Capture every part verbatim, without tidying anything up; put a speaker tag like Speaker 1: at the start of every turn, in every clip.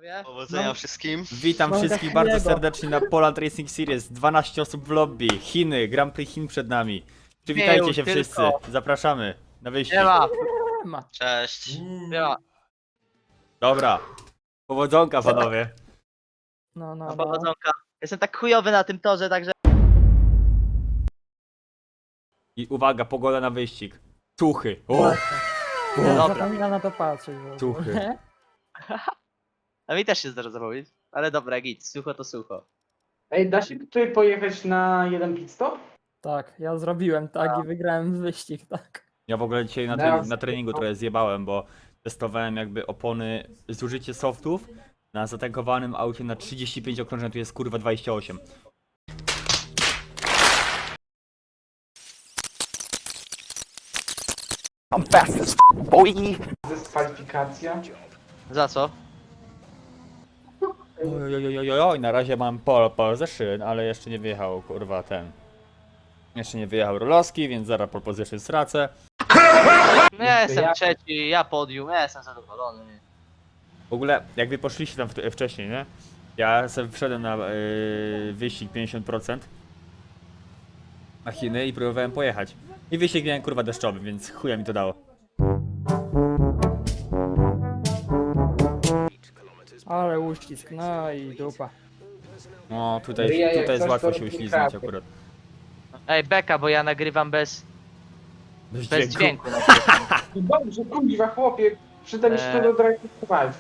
Speaker 1: panowie.
Speaker 2: Powodzenia
Speaker 3: No.
Speaker 2: wszystkim.
Speaker 4: Witam
Speaker 3: Mogę
Speaker 4: wszystkich bardzo
Speaker 3: chwilego.
Speaker 4: serdecznie na Poland Racing Series. dwanaście osób w lobby. Chiny, Grand Prix Chin przed nami. Przywitajcie się
Speaker 1: tylko.
Speaker 4: wszyscy. Zapraszamy na wyścig.
Speaker 1: Nie ma,
Speaker 3: Ma.
Speaker 2: Cześć.
Speaker 1: nie ma.
Speaker 4: Dobra. Powodzonka panowie.
Speaker 3: No, no,
Speaker 1: No,
Speaker 3: no.
Speaker 1: powodzonka. Jestem tak chujowy na tym torze, także...
Speaker 4: I uwaga, pogoda na wyścig. Tuchy. O,
Speaker 3: Ja
Speaker 1: Dobra.
Speaker 3: zapominam na to patrzeć. w ogóle.
Speaker 4: Tuchy.
Speaker 1: A mi też się zdarza zapomnieć. Ale dobra, git, sucho to sucho.
Speaker 5: Ej, da się tutaj pojechać na jeden pit stop?
Speaker 3: Tak, ja zrobiłem tak i wygrałem wyścig, tak.
Speaker 4: Ja w ogóle dzisiaj na, tre na treningu trochę zjebałem, bo testowałem jakby opony, zużycie softów na zatankowanym aucie na trzydzieści pięć okrążeń, tu jest kurwa dwadzieścia osiem.
Speaker 5: Dyskwalifikacja.
Speaker 1: Za co?
Speaker 4: Ojojojojoj, na razie mam pole, pole ze szyn, ale jeszcze nie wyjechał kurwa ten. Jeszcze nie wyjechał Rolowski, więc zaraz pole position stracę.
Speaker 1: No ja jestem
Speaker 5: Ja-
Speaker 1: trzeci, ja podium, ja jestem zadowolony.
Speaker 4: W ogóle, jak wy poszliście tam w, wcześniej, nie? Ja sobie wszedłem na yy, wyścig pięćdziesiąt procent na Chiny i próbowałem pojechać. I wyścig miałem kurwa deszczowy, więc chuja mi to dało.
Speaker 3: Ale uścisk, no i dupa.
Speaker 4: No tutaj,
Speaker 5: Ryja, jak
Speaker 4: tutaj jest
Speaker 5: coś,
Speaker 4: łatwo
Speaker 5: to
Speaker 4: się
Speaker 5: robi
Speaker 4: uśliznąć
Speaker 5: kratkę.
Speaker 4: akurat.
Speaker 1: Ej, beka, bo ja nagrywam bez,
Speaker 4: Bez
Speaker 1: bez
Speaker 4: dźwięku.
Speaker 1: dźwięku. na
Speaker 5: No dobrze, kuźwa chłopie, przyda mi się to
Speaker 1: Eee.
Speaker 5: do Drive Survive.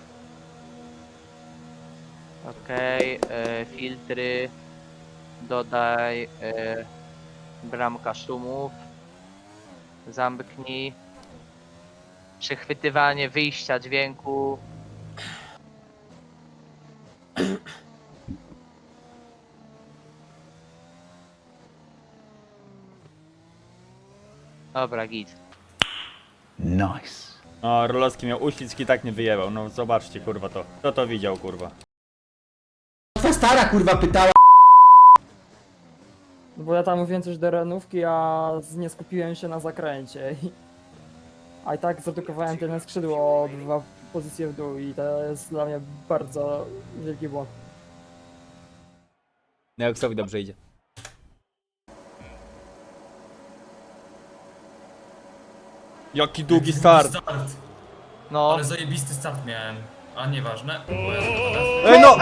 Speaker 1: Okej, e, filtry. Dodaj e, bramka szumów. Zamknij. Przechwytywanie wyjścia dźwięku. Dobra, git.
Speaker 4: No, Rolowski miał uślizg i tak nie wyjebał. No zobaczcie kurwa to. Kto to widział kurwa?
Speaker 6: Ta stara kurwa pytała.
Speaker 3: No bo ja tam mówiłem coś do renówki, a z- nie skupiłem się na zakręcie. I... A i tak zredukowałem tylne skrzydło o dwa pozycje w dół i to jest dla mnie bardzo wielki błąd.
Speaker 4: Neoxowi dobrze idzie. Jaki długi start!
Speaker 1: No.
Speaker 7: Ale zajebisty start miałem. A nieważne.
Speaker 4: Ej no!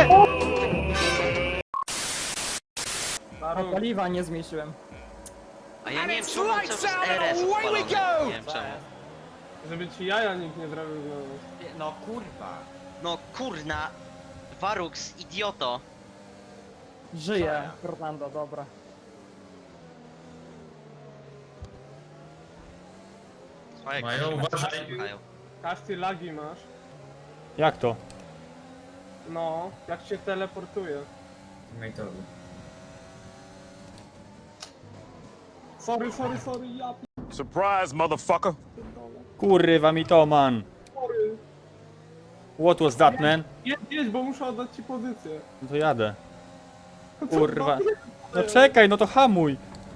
Speaker 3: A paliwa nie zmniejszyłem.
Speaker 2: A ja nie wiem czemu on cały czas R S odpalony. Nie wiem czemu.
Speaker 8: Żeby ci jaja nikt nie zrobił znowu.
Speaker 6: No kurwa.
Speaker 2: No kurna. Warux, idioto.
Speaker 3: Żyję, Fernando, dobra.
Speaker 2: Słuchaj,
Speaker 7: Mają,
Speaker 2: jak
Speaker 7: uważaj.
Speaker 2: słuchają.
Speaker 8: Każdy lagi masz.
Speaker 4: Jak to?
Speaker 8: No, jak się teleportuje.
Speaker 7: Mate'owy.
Speaker 8: Sorry, sorry, sorry, ja
Speaker 9: Surprise, motherfucker.
Speaker 8: pierdolę.
Speaker 4: Kurwa mi to man.
Speaker 8: Sorry.
Speaker 4: What was that man?
Speaker 8: Jedź, jedź, bo muszę oddać ci pozycję.
Speaker 4: No to jadę.
Speaker 8: Co
Speaker 4: Kurwa.
Speaker 8: za-
Speaker 4: No czekaj, no to hamuj.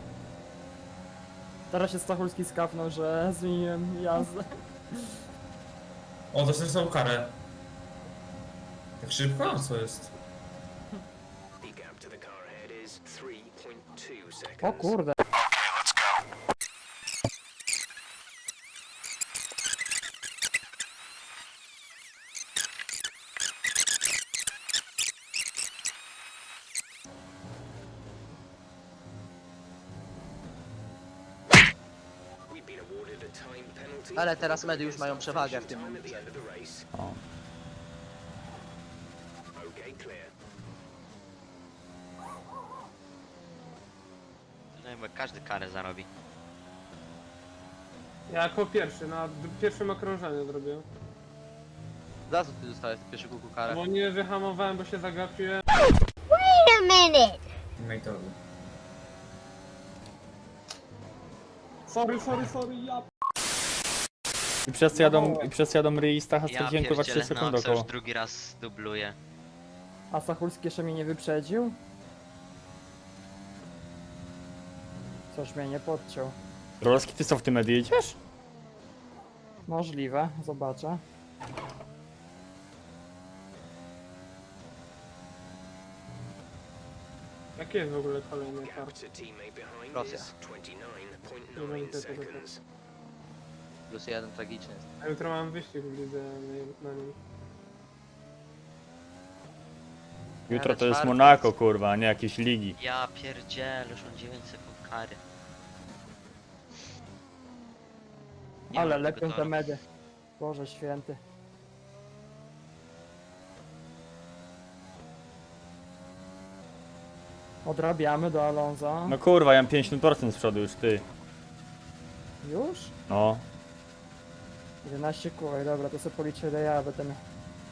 Speaker 3: Teraz się Stachulski skapnął, że zmieniłem jazdę.
Speaker 7: O, dostałem karę. Tak szybko? Co jest?
Speaker 3: O kurde.
Speaker 1: Ale teraz medy już mają przewagę w tym momencie.
Speaker 4: O.
Speaker 2: No jakby każdy karę zarobi.
Speaker 8: Ja jako pierwszy, na d- pierwszym okrążeniu zrobię.
Speaker 1: Za co ty dostałeś pierwszy kuku karę?
Speaker 8: Bo nie wyhamowałem, bo się zagapiłem.
Speaker 7: Mate'owy.
Speaker 8: Sorry, sorry, sorry, ja
Speaker 4: I przez co jadą, i przez co jadą Ry i Stacha
Speaker 2: Ja
Speaker 4: straciłem kurwa trzy
Speaker 2: pierdzielę,
Speaker 4: sekundy
Speaker 2: no co już
Speaker 4: około.
Speaker 2: drugi raz dubluje.
Speaker 3: A Stachulski jeszcze mnie nie wyprzedził? Coś mnie nie podciął.
Speaker 4: Rolowski, ty co w tym medy jedziesz?
Speaker 3: Możliwe, zobaczę.
Speaker 8: Jaki jest w ogóle kolejny tor?
Speaker 1: Rosja.
Speaker 8: Nie wiem, gdzie tego tor.
Speaker 1: Plus jeden tragiczny jest.
Speaker 8: A jutro mam wyścig w lidze na, na nim.
Speaker 4: Jutro
Speaker 1: Ale
Speaker 4: to jest
Speaker 1: czwarty
Speaker 4: Monako,
Speaker 1: jest.
Speaker 4: kurwa, a nie jakieś ligi.
Speaker 2: Ja pierdzielę, już mam dziewięć sekund kary. Nie
Speaker 3: Ale
Speaker 2: mam tego
Speaker 3: lepią te
Speaker 2: toru.
Speaker 3: medy. Boże święty. Odrabiamy do Alonso.
Speaker 4: No kurwa, ja mam pięćdziesiąt procent z przodu już, ty.
Speaker 3: Już?
Speaker 4: No.
Speaker 3: jedenaście kółek, dobra, to sobie policzę ile ja będę miał.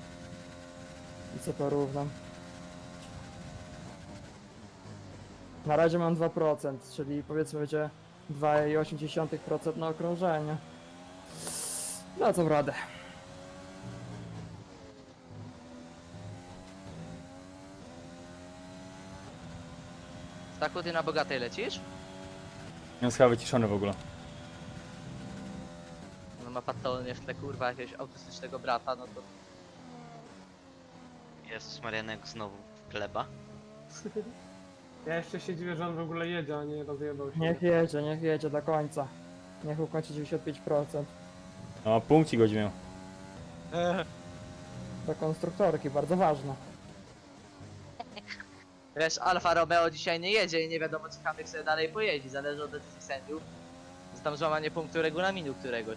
Speaker 3: I co porównam. Na razie mam dwa procent, czyli powiedzmy będzie dwa przecinek osiem procent na okrążenie. No co radę.
Speaker 1: Staku, ty na bogatej lecisz?
Speaker 4: Jest chyba wyciszony w ogóle.
Speaker 1: No ma patologię w tle kurwa jakiegoś autystycznego brata, no to...
Speaker 2: Jezus Marianek znowu gleba.
Speaker 8: Ja jeszcze się dziwię, że on w ogóle jedzie, a nie rozjebał się.
Speaker 3: Niech jedzie, niech jedzie do końca. Niech ukończy dziewięćdziesiąt pięć procent.
Speaker 4: No, punkcik go miał.
Speaker 3: Do konstruktorki, bardzo ważne.
Speaker 1: Wiesz, Alfa Romeo dzisiaj nie jedzie i nie wiadomo czy Kamyk sobie dalej pojedzie, zależy od decyzji sędziów. Jest tam złamanie punktu regulaminu któregoś.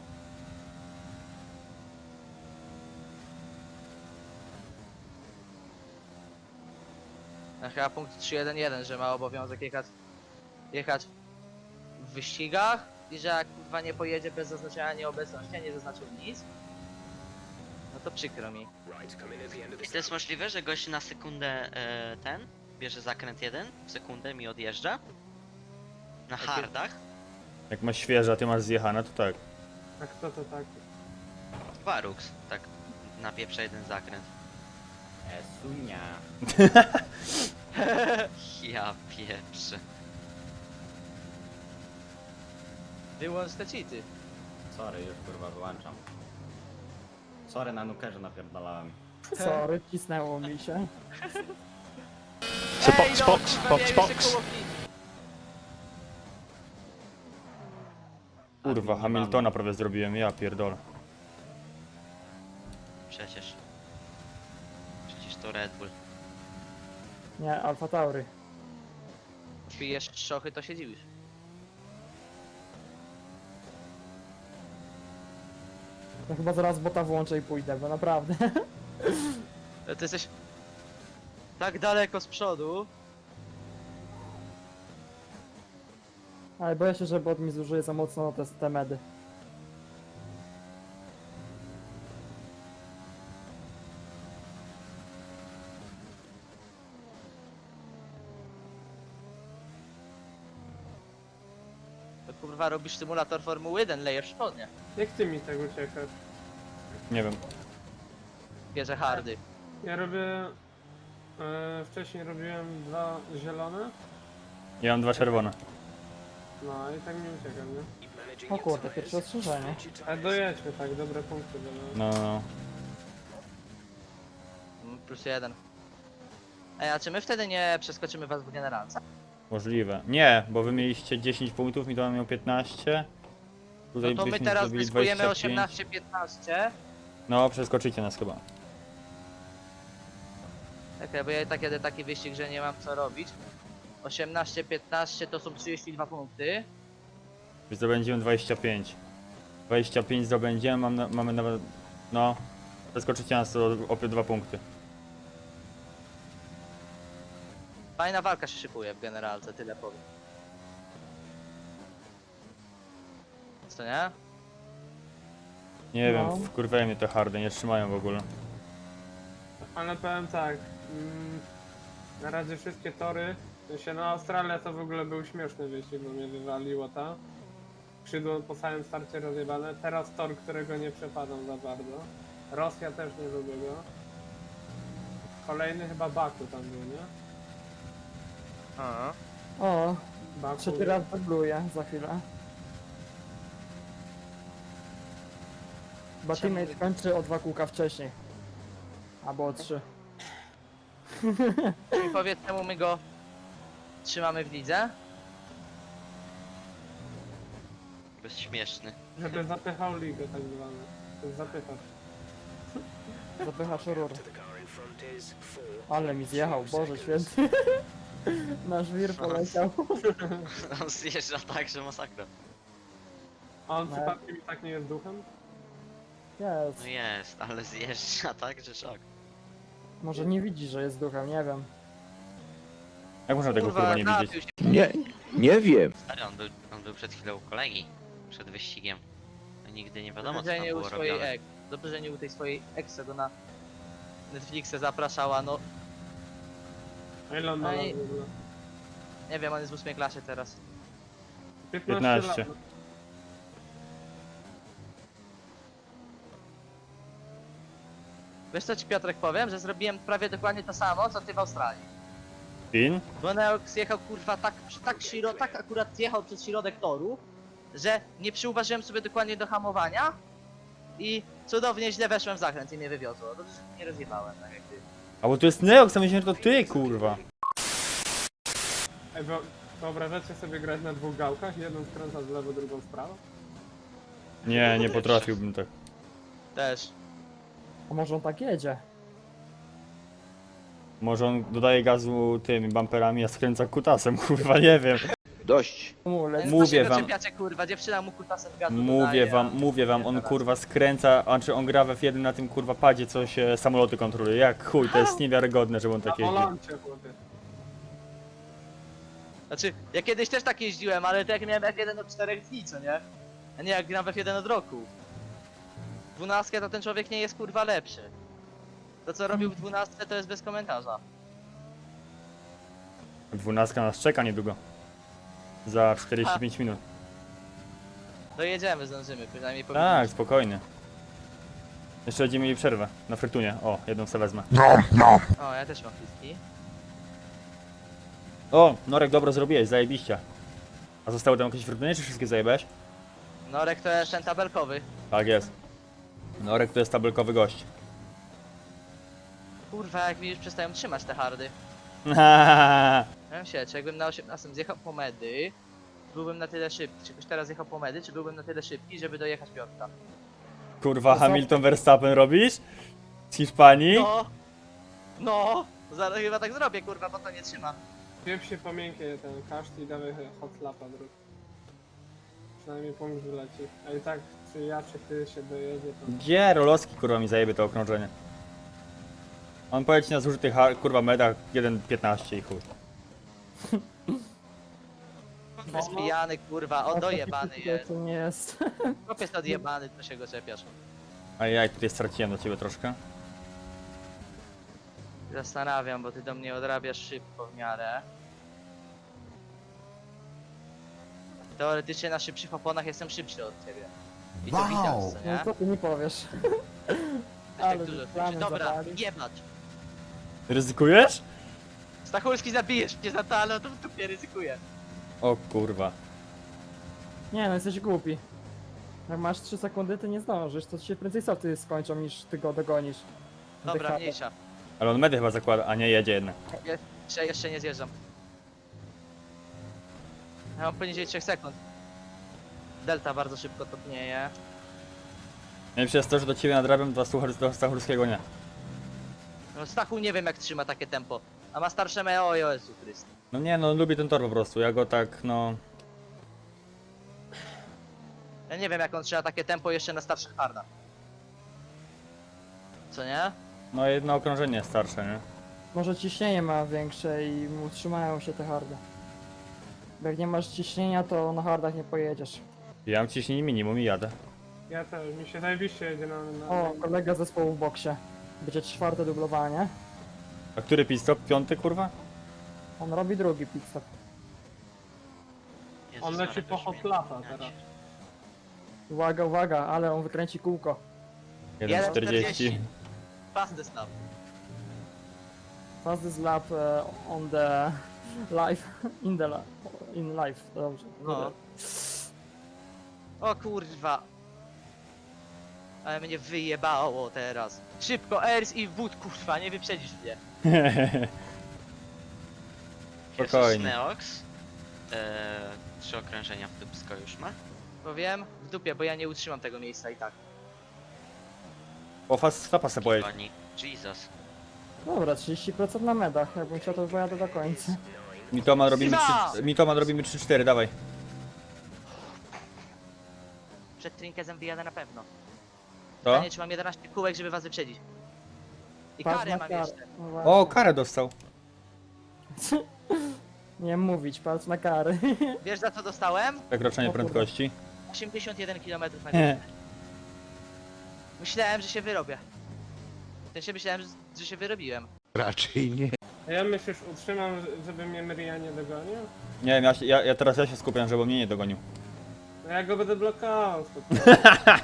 Speaker 1: A chyba punkt trzy jeden jeden, że ma obowiązek jechać, jechać w wyścigach i że jak kurwa nie pojedzie bez zaznaczenia nieobecności, a nie zaznaczył nic, no to przykro mi.
Speaker 2: Czy to jest możliwe, że gość na sekundę e, ten bierze zakręt jeden, w sekundę mi odjeżdża? Na hardach?
Speaker 4: Jak masz świeże, a ty masz zjechane, to tak.
Speaker 8: A kto to tak?
Speaker 2: Warux, tak napieprza jeden zakręt.
Speaker 6: Esunia.
Speaker 2: Ja pieprzę.
Speaker 1: Wyłącz te cheaty.
Speaker 6: Sorry, już kurwa wyłączam. Sorry, na nukerze napierdalałem.
Speaker 3: Sorry, wcisnęło mi się.
Speaker 9: So
Speaker 1: Ej,
Speaker 9: box,
Speaker 1: no,
Speaker 9: box,
Speaker 1: kurwa,
Speaker 9: box,
Speaker 1: miałem
Speaker 9: box.
Speaker 1: jeszcze koło fi-
Speaker 4: Kurwa, Hamiltona prawie zrobiłem, ja pierdolę.
Speaker 2: Przecież. Przecież to Red Bull.
Speaker 3: Nie, Alfa Tauri.
Speaker 1: Pijesz szochy, to się dziwisz.
Speaker 3: No chyba zaraz bota włączę i pójdę, bo naprawdę.
Speaker 1: Ale ty jesteś tak daleko z przodu.
Speaker 3: Ale boję się, że bot mi zużyje za mocno te, te medy.
Speaker 1: To kurwa robisz symulator Formuły jeden, lejesz spodnie.
Speaker 8: Jak ty mi tak uciekasz?
Speaker 4: Nie wiem.
Speaker 1: Bierze hardy.
Speaker 8: Ja robię... E, wcześniej robiłem dwa zielone.
Speaker 4: Ja mam dwa czerwone.
Speaker 8: No i tak mi uciekam, nie?
Speaker 3: O kurde, pierwsze ostrzeżenie.
Speaker 8: Ale dojedźmy tak, dobre punkty będą.
Speaker 4: No, no, no.
Speaker 1: Mm, Plus jeden. Ej, a czy my wtedy nie przeskoczymy was w generalce?
Speaker 4: Możliwe. Nie, bo wy mieliście dziesięć punktów, mi to miał piętnaście.
Speaker 1: No
Speaker 4: Tutaj
Speaker 1: to my
Speaker 4: byśmy
Speaker 1: teraz
Speaker 4: zrobili
Speaker 1: zyskujemy
Speaker 4: dwadzieścia pięć.
Speaker 1: osiemnaście piętnaście.
Speaker 4: No, przeskoczycie nas chyba.
Speaker 1: Okej, bo ja i tak jadę taki wyścig, że nie mam co robić. osiemnaście piętnaście to są trzydzieści dwa punkty.
Speaker 4: Zdobędziemy dwadzieścia pięć. dwadzieścia pięć zdobędziemy, mam na, mamy nawet... No. Przeskoczycie nas o, o dwa punkty.
Speaker 1: Fajna walka się szykuje w generalce, tyle powiem. Co nie?
Speaker 4: Nie
Speaker 3: No.
Speaker 4: wiem, wkurwają mnie te hardy, nie trzymają w ogóle.
Speaker 8: Ale powiem tak, mm, na razie wszystkie tory, w sensie no Australia to w ogóle był śmieszny wyścig, bo mnie wywaliło ta. Skrzydło po całym starcie rozjebane, teraz tor, którego nie przepadam za bardzo. Rosja też nie lubię go. Kolejny chyba Baku tam był, nie?
Speaker 1: Aha.
Speaker 3: O,
Speaker 8: Baku.
Speaker 3: trzeci raz dubluję za chwilę. Chyba
Speaker 1: Czemu
Speaker 3: teammate kończy o dwa kółka wcześniej. Albo o trzy.
Speaker 1: Czyli powiedz czemu my go trzymamy w lidze.
Speaker 2: Bezśmieszny.
Speaker 8: Żeby zapychał ligę tak zwane. To jest zapychacz.
Speaker 3: Zapychasz rur. Ale mi zjechał, Boże święty. Nasz wir poleciał.
Speaker 2: On zjeżdża tak, że masakra.
Speaker 8: A on
Speaker 3: No.
Speaker 8: przypadkiem i tak nie jest duchem?
Speaker 3: Jest.
Speaker 2: No jest, ale zjeżdża tak, że szok.
Speaker 3: Może nie widzi, że jest duchem, nie wiem.
Speaker 4: Jak można tego kurwa nie
Speaker 1: napił
Speaker 4: widzieć?
Speaker 1: się.
Speaker 9: Nie, nie wiem.
Speaker 2: Stary, on był, on był przed chwilą u kolegi. Przed wyścigiem. No nigdy nie wiadomo, co
Speaker 1: Dobrze, że
Speaker 2: tam
Speaker 1: nie u
Speaker 2: było
Speaker 1: swojej
Speaker 2: robione.
Speaker 1: ek. Dobrze, że nie u tej swojej ex, go na Netflixa zapraszała, no
Speaker 8: A ile on ma
Speaker 1: No
Speaker 8: lat
Speaker 1: i-
Speaker 8: w ogóle?
Speaker 1: nie wiem, on jest w ósmej klasie teraz.
Speaker 8: piętnaście
Speaker 4: piętnaście.
Speaker 8: lat.
Speaker 1: Wiesz co ci Piotrek powiem, że zrobiłem prawie dokładnie to samo, co ty w Australii.
Speaker 4: Pin?
Speaker 1: Bo Neox jechał kurwa tak, tak, shiro, tak akurat jechał przez środek toru, że nie przyuważyłem sobie dokładnie do hamowania i cudownie źle weszłem w zakręt i mnie wywiozło. Dobrze, że nie rozjebałem, tak jak ty.
Speaker 4: A bo to jest Neox, a myślałem, że to ty kurwa.
Speaker 8: Ej, wyo- wyobrażacie sobie grać na dwóch gałkach? Jedną skręca w lewo, drugą w prawo?
Speaker 4: Nie, nie potrafiłbym tak.
Speaker 1: Też.
Speaker 3: A może on tak jedzie?
Speaker 4: Może on dodaje gazu tymi bumperami, a skręca kutasem, kurwa, nie wiem.
Speaker 9: Dość.
Speaker 3: Mu leci.
Speaker 4: Mówię
Speaker 1: Dlaczego
Speaker 4: wam.
Speaker 1: czepiacie, kurwa, dziewczyna mu kutasem gazu
Speaker 4: Mówię
Speaker 1: dodaje,
Speaker 4: wam,
Speaker 1: a-
Speaker 4: mówię wam, on
Speaker 1: teraz.
Speaker 4: kurwa skręca, a czy on gra w F jeden na tym kurwa padzie, co się samoloty kontroluje. Jak chuj, to jest niewiarygodne, żeby on
Speaker 8: Na
Speaker 4: tak jeździł.
Speaker 8: volancie, chłopie.
Speaker 1: Znaczy, ja kiedyś też tak jeździłem, ale to jak miałem F jeden od czterech dni, co nie? A nie jak gram w F jeden od roku. W dwunastkę to ten człowiek nie jest kurwa lepszy. To co robił w dwunastce to jest bez komentarza.
Speaker 4: Dwunastka nas czeka niedługo. Za czterdzieści pięć minut.
Speaker 1: Dojedziemy, zdążymy, przynajmniej
Speaker 4: Tak,
Speaker 1: powinniśmy.
Speaker 4: spokojnie. Jeszcze będziemy mieli przerwę na frytunie. O, jedną sobie wezmę.
Speaker 1: O, ja też mam fliski.
Speaker 4: O, Norek, dobro zrobiłeś, zajebiście. A zostały tam jakieś frytunie, czy wszystkie zajebałeś?
Speaker 1: Norek to jest ten tabelkowy.
Speaker 4: Tak jest. Norek to jest tabelkowy gość.
Speaker 1: Kurwa, jak mi już przestają trzymać te hardy. Ja wiem się, czy jakbym na osiemnastym zjechał po medy, byłbym na tyle szybki, czy byś teraz jechał po medy, czy byłbym na tyle szybki, żeby dojechać Piotrka.
Speaker 4: Kurwa, Hamilton Verstappen robisz? Z Hiszpanii?
Speaker 1: No! No! Zaraz chyba tak zrobię, kurwa, bo to nie trzyma.
Speaker 8: Wiew się po miękkie ten kaszt i dawaj hot lapa druk. Przynajmniej punkt wyleci. A i tak, czy ja, czy ty się dojedzie, to...
Speaker 4: Gdzie Rolowski kurwa mi zajebie to okrążenie? On poleci na zużytych ha- kurwa medach jeden piętnaście i chuj.
Speaker 1: Jest pijany, kurwa, on dojebany jest.
Speaker 3: To nie jest.
Speaker 1: Chłopiec jest odjebany, to się go czepiasz.
Speaker 4: A ja tutaj straciłem do ciebie troszkę.
Speaker 1: Zastanawiam, bo ty do mnie odrabiasz szybko w miarę. Teoretycznie na szybszych oponach jestem szybszy od ciebie. I to widać, co
Speaker 3: No
Speaker 1: nie?
Speaker 3: co ty mi powiesz?
Speaker 1: Też tak
Speaker 3: ale
Speaker 1: dużo
Speaker 3: plany
Speaker 1: szybszy. Dobra,
Speaker 3: zawalił.
Speaker 1: jebać.
Speaker 4: Ryzykujesz?
Speaker 1: Stachulski zabijesz mnie za to, ale to w dupie ryzykuję.
Speaker 4: O kurwa.
Speaker 3: Nie no, jesteś głupi. Jak masz trzy sekundy, ty nie zdążysz, to się prędzej softy skończą niż ty go dogonisz.
Speaker 1: Dobra,
Speaker 3: Dycha-
Speaker 1: mniejsza.
Speaker 4: Ale on medy chyba zakłada, a nie jedzie jednak.
Speaker 1: Jeszcze, jeszcze nie zjeżdżam. Ja mam poniżej trzech sekund. Delta bardzo szybko topnieje.
Speaker 4: Nie przez to, że do ciebie nadrabiam, do, Stuchar- do Stachurskiego nie.
Speaker 1: No Stachu nie wiem jak trzyma takie tempo. A ma starsze me, o Jezu Chryst.
Speaker 4: No nie, no lubię ten tor po prostu, ja go tak, no...
Speaker 1: Ja nie wiem jak on trzyma takie tempo jeszcze na starszych hardach. Co nie?
Speaker 4: No jedno okrążenie jest starsze, nie?
Speaker 3: Może ciśnienie ma większe i mu trzymają się te hardy. Bo jak nie masz ciśnienia, to na hardach nie pojedziesz.
Speaker 4: Ja mam ciśnienie minimum i jadę.
Speaker 8: Ja też, mi się zajebiście jedzie na... na
Speaker 3: O, kolega zespołu w boksie. Będzie czwarte dublowanie.
Speaker 4: A który pit stop? Piąty kurwa?
Speaker 3: On robi drugi pit stop.
Speaker 2: Jezus
Speaker 8: On leci
Speaker 2: Maria,
Speaker 8: po
Speaker 2: to
Speaker 8: hot
Speaker 2: śmie-
Speaker 8: lapa
Speaker 2: ja
Speaker 8: teraz.
Speaker 2: cię-
Speaker 3: Uwaga, uwaga, ale on wykręci kółko.
Speaker 4: jeden czterdzieści.
Speaker 1: Fastest lap.
Speaker 3: Fastest lap uh, on the life, in the li- in life, dobrze.
Speaker 1: No. O kurwa. Ale mnie wyjebało teraz. Szybko, Ers i wód, kurwa, nie wyprzedzisz mnie.
Speaker 2: Jesus
Speaker 4: Spokojnie.
Speaker 2: Neox. Eee, trzy okrążenia w dupsko już ma.
Speaker 1: Powiem w dupie, bo ja nie utrzymam tego miejsca i tak.
Speaker 4: Po fast stopa se pojedź.
Speaker 2: Pani. Jesus.
Speaker 3: Dobra, trzydzieści procent na medach, jakbym chciał to pojadę do końca.
Speaker 4: Mitoman robimy
Speaker 1: Siema!
Speaker 4: trzy, Mitoman robimy trzy cztery, dawaj.
Speaker 1: Przed Trinkezem wyjadę na pewno.
Speaker 4: To?
Speaker 1: Pytanie, czy mam jedenaście kółek, żeby was wyprzedzić. I
Speaker 3: Patrz
Speaker 1: karę
Speaker 3: na
Speaker 1: mam
Speaker 3: karę.
Speaker 1: jeszcze.
Speaker 3: No właśnie.
Speaker 4: O, karę dostał.
Speaker 3: Nie mówić, patrz na kary.
Speaker 1: Wiesz za co dostałem?
Speaker 4: Przekroczenie
Speaker 3: O kurwa.
Speaker 4: prędkości.
Speaker 1: osiemdziesiąt jeden kilometrów na godzinę. Myślałem, że się wyrobię. W sensie myślałem, że, że się wyrobiłem.
Speaker 9: Raczej nie.
Speaker 8: A ja myślisz, utrzymam, żeby mnie Myria nie dogonił?
Speaker 4: Nie wiem, ja, się- ja, ja teraz ja się skupiam, żeby mnie nie dogonił.
Speaker 8: No ja go będę blokował. spokojnie.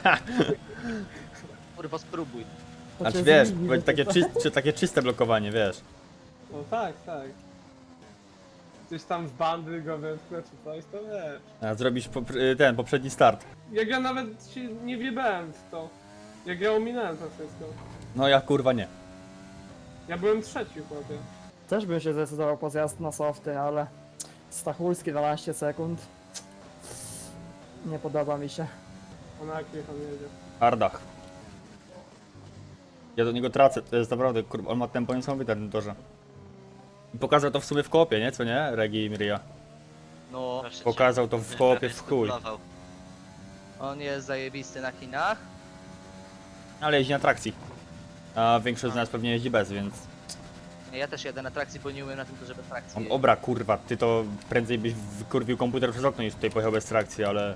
Speaker 1: Kurwa, spróbuj.
Speaker 3: To
Speaker 4: Znaczy
Speaker 3: cię
Speaker 4: wiesz,
Speaker 3: zmieni,
Speaker 4: będzie takie,
Speaker 3: to-
Speaker 4: czy, czy, takie czyste blokowanie, wiesz.
Speaker 8: No tak, tak. Gdzieś tam w bandy go wepchnę czy coś, to wiesz.
Speaker 4: A zrobisz po, ten poprzedni start.
Speaker 8: Jak ja nawet się nie wjebałem w to. Jak ja ominąłem to wszystko.
Speaker 4: No ja kurwa nie.
Speaker 8: Ja byłem trzeci, chłopie.
Speaker 3: Też bym się zdecydował po zjazd na softy, ale Stachulski dwanaście sekund. Nie podoba mi się.
Speaker 8: A na jakich on jedzie?
Speaker 4: Hardach. Ja do niego tracę, to jest naprawdę, kurwa, on ma tempo niesamowite na tym torze. I pokazał to w sumie w kopie, nie? Co nie? Regi i Miria.
Speaker 1: No,
Speaker 2: Proszę cię.
Speaker 4: Pokazał to w kopie
Speaker 2: Prawie
Speaker 4: w chuj.
Speaker 2: zdublował.
Speaker 1: on jest zajebisty na Chinach.
Speaker 4: Ale jeździ na trakcji. A większość z nas pewnie jeździ bez, więc...
Speaker 1: Nie, ja też jadę na trakcji, bo nie umiem na tym torze bez trakcji.
Speaker 4: On, obra, kurwa, ty to prędzej byś wykurwił komputer przez okno niż tutaj pojechał bez trakcji, ale...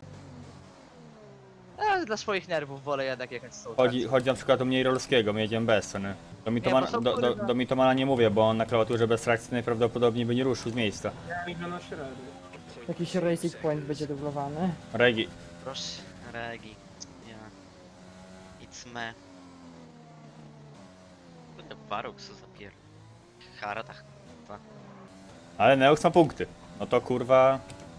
Speaker 1: Ja dla swoich nerwów wolę jednak jechać z tą
Speaker 4: Chodzi,
Speaker 1: trakcją.
Speaker 4: chodzi na przykład o mniej rolskiego, my jedziemy bez, co nie? Do Mitomana,
Speaker 1: bo są
Speaker 4: do, do,
Speaker 1: kurwa-
Speaker 4: do Mitomana nie mówię, bo on na klawiaturze bez trakcji najprawdopodobniej by nie ruszył z miejsca.
Speaker 8: Ja idę na średni.
Speaker 3: Jakiś Racing Point będzie dublowany.
Speaker 4: Regi.
Speaker 2: Proszę, Regi. Ja. It's me. Kurde, Baruk co zapier... Haratach.
Speaker 4: Ale Neox ma punkty. No to kurwa...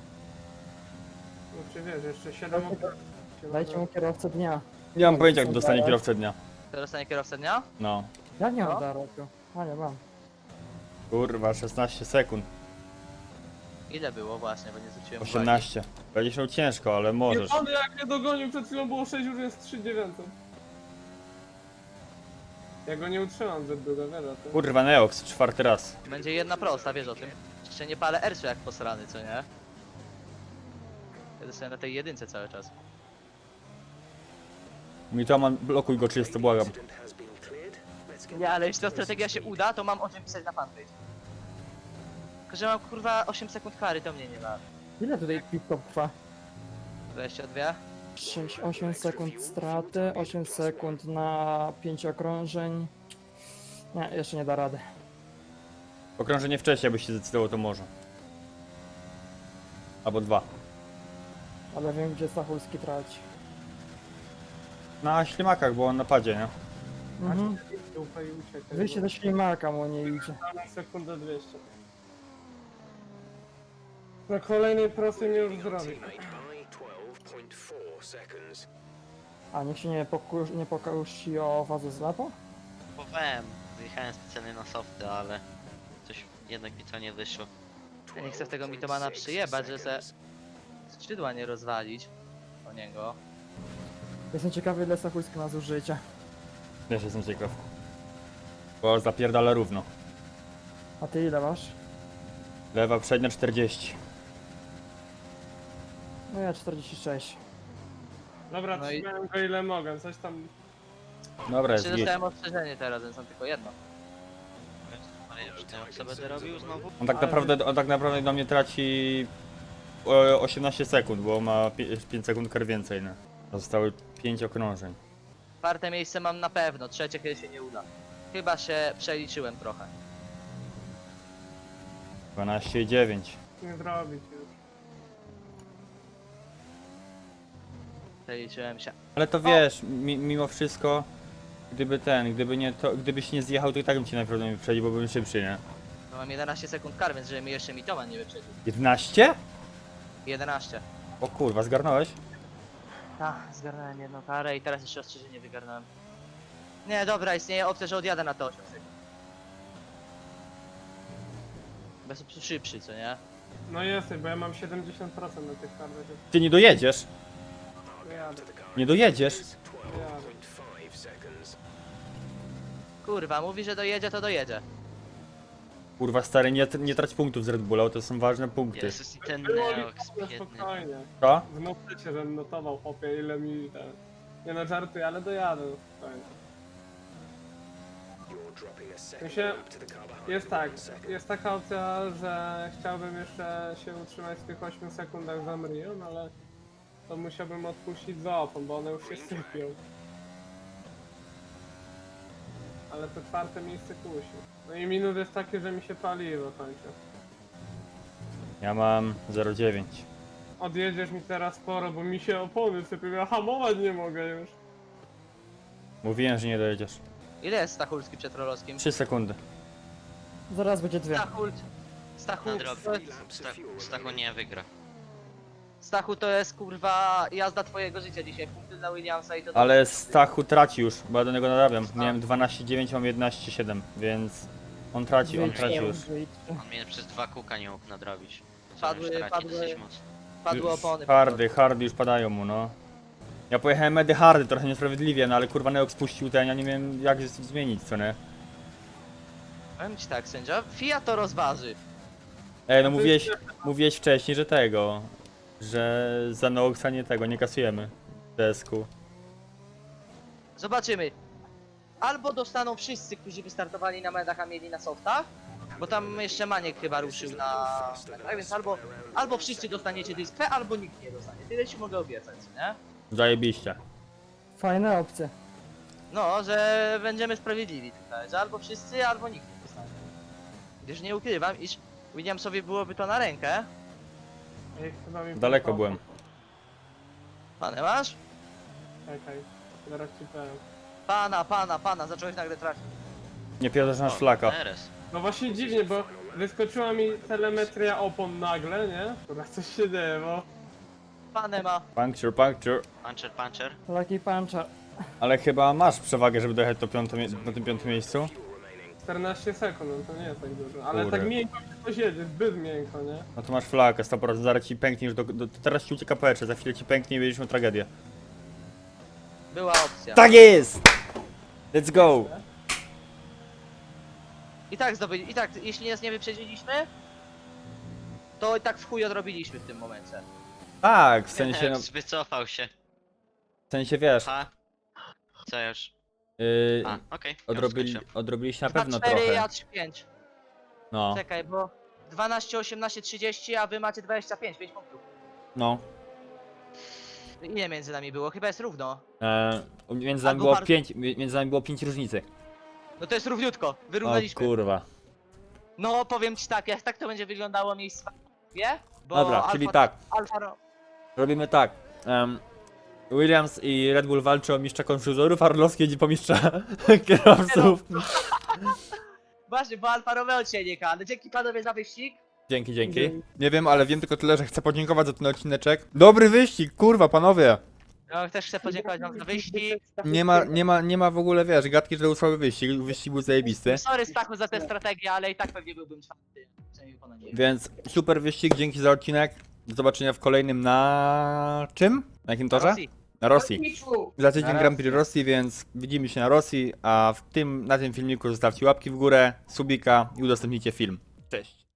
Speaker 8: No czy wiesz, jeszcze siedem okrążeń.
Speaker 3: Dajcie mu kierowcę dnia.
Speaker 4: Nie mam pojęcia, jak dostanie kierowcę dnia.
Speaker 1: To dostanie kierowcę dnia?
Speaker 4: No.
Speaker 3: Ja nie
Speaker 1: No.
Speaker 3: mam daroku. A nie mam.
Speaker 4: Kurwa, szesnaście sekund.
Speaker 1: Ile było właśnie, bo nie zwróciłem uwagi.
Speaker 4: osiemnaście. Będziesz miał ciężko, ale możesz.
Speaker 8: Jebany jak mnie dogonił, przed chwilą było sześć, już jest trzy dziewięćset. Ja go nie utrzymam zbyt długo, wiesz o tym.
Speaker 4: Kurwa, Neox, czwarty raz.
Speaker 1: Będzie jedna prosta, wiesz o tym. Jeszcze nie palę ersu jak posrany, co nie? Ja dostałem na tej jedynce cały czas.
Speaker 4: Mitoman, blokuj go czysto, błagam.
Speaker 1: Nie, ale jeśli ta strategia się uda, to mam o czym pisać na fanpage. Tylko, że mam kurwa osiem sekund kary, to mnie nie ma.
Speaker 3: Ile tutaj pit-stop trwa?
Speaker 1: dwadzieścia dwa?
Speaker 3: sześć, osiem sekund straty, osiem sekund na pięć okrążeń. Nie, jeszcze nie da rady.
Speaker 4: Okrążenie wcześniej, byś się zdecydował, to może. Albo dwa.
Speaker 3: Ale wiem, gdzie Stachulski traci.
Speaker 4: Na ślimakach, bo on na padzie, nie?
Speaker 3: Mhm.
Speaker 8: Ufaj i uciekaj.
Speaker 3: Wyjście do ślimaka mu nie idzie.
Speaker 8: Na sekundę dwieście. Na kolejnej prostej mnie już zrobi.
Speaker 3: A niech się nie, pokusz, nie pokusi o fazę zlepu?
Speaker 2: Próbowałem, wyjechałem specjalnie na softy, ale coś jednak mi to nie wyszło.
Speaker 1: Ja nie chcę w tego mitomana przyjebać, że se skrzydła nie rozwalić o niego.
Speaker 3: Jestem ciekawy, ile Stachulski ma zużycia.
Speaker 4: Też jestem ciekaw. Bo zapierdala równo.
Speaker 3: A ty ile masz?
Speaker 4: Lewa przednia czterdzieści.
Speaker 3: No ja czterdzieści sześć.
Speaker 8: Dobra,
Speaker 1: No i-
Speaker 8: trzymałem go ile mogę, coś tam...
Speaker 4: Dobra, jest
Speaker 1: Czy
Speaker 4: git.
Speaker 1: dostałem ostrzeżenie teraz, więc mam tylko jedno.
Speaker 2: Ale już nie wiem, co będę robił znowu.
Speaker 4: On tak
Speaker 8: Ale-
Speaker 4: naprawdę, on tak naprawdę do mnie traci e, osiemnaście sekund, bo ma pięć sekund kar więcej, nie? Zostały pięć okrążeń.
Speaker 1: Czwarte miejsce mam na pewno, trzecie kiedy się nie uda. Chyba się przeliczyłem trochę.
Speaker 4: dwanaście i dziewięć.
Speaker 8: nie zrobić już.
Speaker 1: Przeliczyłem się.
Speaker 4: Ale to wiesz, mi, mimo wszystko, gdyby ten, gdyby nie to, gdybyś nie zjechał, to i tak bym cię najprawdopodobniej wyprzedził, bo byłem szybszy, nie?
Speaker 1: No mam jedenaście sekund kar, więc żeby mi jeszcze mitoman nie wyprzedził.
Speaker 4: jedenaście?
Speaker 1: jedenaście.
Speaker 4: O kurwa, zgarnąłeś?
Speaker 1: Tak, zgarnąłem jedną karę i teraz jeszcze ostrzeżenie wygarnąłem. Nie, dobra, istnieje opcja, że odjadę na to osiem sekund. Bez opcji szybszy, co nie?
Speaker 8: No jesteś, bo ja mam siedemdziesiąt procent na tych kartach.
Speaker 4: Ty nie dojedziesz.
Speaker 8: Jadę,
Speaker 4: Nie dojedziesz.
Speaker 8: jadę.
Speaker 1: Kurwa, mówi, że dojedzie, to dojedzie.
Speaker 4: Kurwa stary, nie, nie trać punktów z Red Bulla, bo to są ważne punkty.
Speaker 2: Jezus i ten
Speaker 8: Było
Speaker 2: Neox
Speaker 8: liczone,
Speaker 2: biedny.
Speaker 8: spokojnie.
Speaker 4: Co?
Speaker 8: W notycie, żebym notował, chłopie, ile mi ten... Nie no, żartuję, ale dojadę, no, spokojnie. W sensie, jest tak, jest taka opcja, że chciałbym jeszcze się utrzymać w tych ośmiu sekundach za Mrion, ale to musiałbym odpuścić za opon, bo one już się sypią. Ale to czwarte miejsce kusi. No i minus jest takie, że mi się paliwo kończy.
Speaker 4: Ja mam zero dziewięć.
Speaker 8: Odjedziesz mi teraz sporo, bo mi się opony sypią, ja hamować nie mogę już.
Speaker 4: Mówiłem, że nie dojedziesz.
Speaker 1: Ile jest Stachulski przed Rolowskim?
Speaker 4: trzy sekundy.
Speaker 3: Zaraz będzie dwie.
Speaker 1: Stachult. Stachu,
Speaker 2: Nadrobi.
Speaker 1: to jest-
Speaker 2: Sta- Stachu nie wygra.
Speaker 1: Stachu to jest kurwa jazda twojego życia dzisiaj. Punkty dla Williamsa i to...
Speaker 4: Ale Stachu traci już, bo ja do niego nadawiam. Miałem dwanaście dziewięć, mam jedenaście siedem, więc on traci, on traci już.
Speaker 2: On mnie przez dwa kółka nie mógł nadrobić. Co
Speaker 1: Padły-
Speaker 2: już traci
Speaker 1: padły-
Speaker 2: dosyć mocno.
Speaker 1: Padły opony.
Speaker 4: Hardy, hardy już padają mu, no. Ja pojechałem medy hardy, trochę niesprawiedliwie, no ale kurwa Neox spuścił ten, ja nie wiem jak z- zmienić, co nie?
Speaker 1: Powiem ci tak, sędzia, Fiat to rozważy.
Speaker 4: Ej, no mówiłeś, mówiłeś wcześniej, że tego, że za Neoxa nie tego, nie kasujemy w desku.
Speaker 1: Zobaczymy. Albo dostaną wszyscy, którzy wystartowali na medach, a mieli na softach, bo tam jeszcze Maniek chyba ruszył na medach, więc albo, albo wszyscy dostaniecie dyspę, albo nikt nie dostanie. Tyle ci mogę obiecać, nie?
Speaker 4: Zajebiście.
Speaker 3: Fajne opcje.
Speaker 1: No, że będziemy sprawiedliwi tutaj, że albo wszyscy, albo nikt nie dostanie. Gdyż nie ukrywam, iż Williamsowi byłoby to na rękę.
Speaker 8: Ej, chyba mi
Speaker 4: Daleko
Speaker 8: poszło.
Speaker 4: byłem.
Speaker 1: Pane masz?
Speaker 8: Czekaj, zaraz ci powiem.
Speaker 1: Pana, pana, pana, zacząłeś nagle trafić.
Speaker 4: Nie pierdolsz nasz
Speaker 2: O,
Speaker 4: flaka.
Speaker 2: Teres.
Speaker 8: No właśnie dziwnie, bo wyskoczyła mi telemetria opon nagle, nie? Kurwa, coś się dzieje, bo...
Speaker 1: Pane ma.
Speaker 4: Puncture, puncture.
Speaker 2: Puncher, puncher.
Speaker 3: Lucky puncher.
Speaker 4: Ale chyba masz przewagę, żeby dojechać do piąte, mie- na tym piątym miejscu?
Speaker 8: czternaście sekund, no to nie jest tak dużo. Ale
Speaker 4: Kurde.
Speaker 8: tak miękko się coś jedzie, zbyt miękko, nie?
Speaker 4: No to masz flakę, sto procent, zaraz ci pęknie już do, do, teraz ci ucieka powietrze, za chwilę ci pęknie i będziesz miał tragedię.
Speaker 1: Była opcja.
Speaker 4: Tak jest! Let's go!
Speaker 1: I tak zdobyli, i tak, jeśli nas nie wyprzedziliśmy, to i tak w chuj odrobiliśmy w tym momencie.
Speaker 4: Tak, w sensie, no,
Speaker 2: Neox wycofał się.
Speaker 4: w sensie wiesz,
Speaker 2: Ha. Co już?
Speaker 4: yy,
Speaker 2: A, okej. już
Speaker 4: odrobili,
Speaker 2: skończyłem.
Speaker 4: odrobiliście na
Speaker 1: dwa
Speaker 4: pewno
Speaker 1: cztery,
Speaker 4: trochę.
Speaker 1: ja trzy pięć.
Speaker 4: No,
Speaker 1: Czekaj, bo dwanaście, osiemnaście, trzydzieści, a wy macie dwadzieścia pięć, pięć punktów.
Speaker 4: no.
Speaker 1: Ile między nami było? Chyba jest równo.
Speaker 4: E, między nami
Speaker 1: Albo
Speaker 4: było
Speaker 1: bardzo-
Speaker 4: pięć, między nami było pięć różnicy.
Speaker 1: No to jest równiutko,
Speaker 4: O
Speaker 1: wyrównaliśmy.
Speaker 4: kurwa.
Speaker 1: No powiem ci tak, jak tak to będzie wyglądało miejsce, wie? Bo
Speaker 4: Dobra,
Speaker 1: Alfa,
Speaker 4: czyli tak,
Speaker 1: Alfa, Ro-
Speaker 4: robimy tak. Em, Williams i Red Bull walczą o mistrza konfuzorów, a Orlowski jedzie po mistrza kierowców.
Speaker 1: Właśnie, bo Alfa Romeo dzisiaj nie ale dzięki panowie za wyścig.
Speaker 4: Dzięki, dzięki. Nie wiem, ale wiem tylko tyle, że chcę podziękować za ten odcineczek. Dobry wyścig, kurwa, panowie.
Speaker 1: No, też chcę podziękować wam za wyścig.
Speaker 4: Nie ma, nie ma, nie ma w ogóle, wiesz, gadki, że to był słaby wyścig. Wyścig był zajebisty.
Speaker 1: Sorry Stachu za tę strategię, ale i tak pewnie byłbym czwarty. Przynajmniej ponad nie.
Speaker 4: Więc super wyścig, dzięki za odcinek. Do zobaczenia w kolejnym na czym? Na jakim torze?
Speaker 1: Rosji.
Speaker 4: Na Rosji.
Speaker 5: Piczu!
Speaker 4: Za tydzień Grand Prix Rosji, więc widzimy się na Rosji, a w tym, na tym filmiku zostawcie łapki w górę, subika i udostępnijcie film. Cześć.